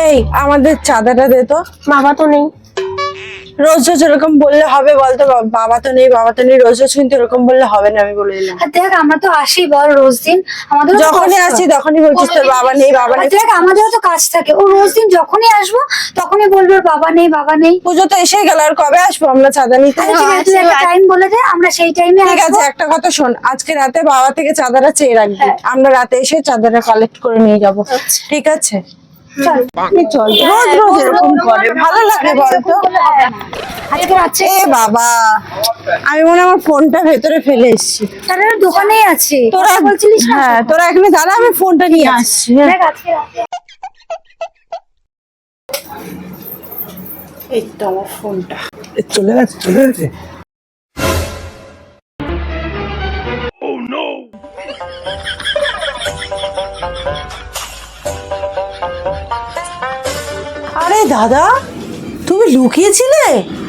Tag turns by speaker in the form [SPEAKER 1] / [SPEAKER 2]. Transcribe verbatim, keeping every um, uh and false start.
[SPEAKER 1] এই আমাদের চাঁদাটা দে তো।
[SPEAKER 2] বাবা তো নেই।
[SPEAKER 1] রোজ রোজ এরকম বললে হবে বলতো? বাবা তো নেই বাবা তো নেই রোজ রোজ কিন্তু এরকম বললে হবে না, আমি বলে দিলাম।
[SPEAKER 2] আর দেখ আমরা তো আসি বল রোজ দিন, আমাদের
[SPEAKER 1] যখনই আসি তখনই বলছিস তোর বাবা নেই বাবা নেই।
[SPEAKER 2] দেখ আমাদেরও তো কাজ থাকে, ও রোজ দিন যখনই আসবো তখনই বলবে বাবা নেই বাবা নেই।
[SPEAKER 1] পুজো তো এসে গেল, আর কবে আসবো আমরা চাঁদা নিতে?
[SPEAKER 2] আচ্ছা ঠিক আছে, তুই একটা টাইম বলে দে, আমরা সেই টাইমে
[SPEAKER 1] ঠিক আছে,
[SPEAKER 2] আসবো।
[SPEAKER 1] একটা কথা শোন, আজকে রাতে বাবা থেকে চাঁদাটা চেয়ে রাখবি,
[SPEAKER 2] হ্যাঁ।
[SPEAKER 1] আমরা রাতে এসে চাঁদাটা কালেক্ট করে নিয়ে যাবো। ঠিক আছে
[SPEAKER 2] চল
[SPEAKER 1] তুই চল, রোজ রোজ এরকম করে ভালো লাগে বলতো?
[SPEAKER 2] আজকে রাত্রে
[SPEAKER 1] এ বাবা, আমি মনে হয় আমার ফোনটা ভেতরে ফেলে এসেছি।
[SPEAKER 2] তাহলে দোকানেই আছে,
[SPEAKER 1] তোরা
[SPEAKER 2] তোরা বলছিলিস না?
[SPEAKER 1] হ্যাঁ তোরা এখানে দাঁড়া, আমি ফোনটা নিয়ে আসছি। হ্যাঁ।
[SPEAKER 2] দেখ আজকে রাতে
[SPEAKER 1] এই তো আমার ফোনটা।
[SPEAKER 3] এ, চলে গেছে চলে গেছে।
[SPEAKER 1] আরে দাদা, তুমি লুকিয়েছিলে?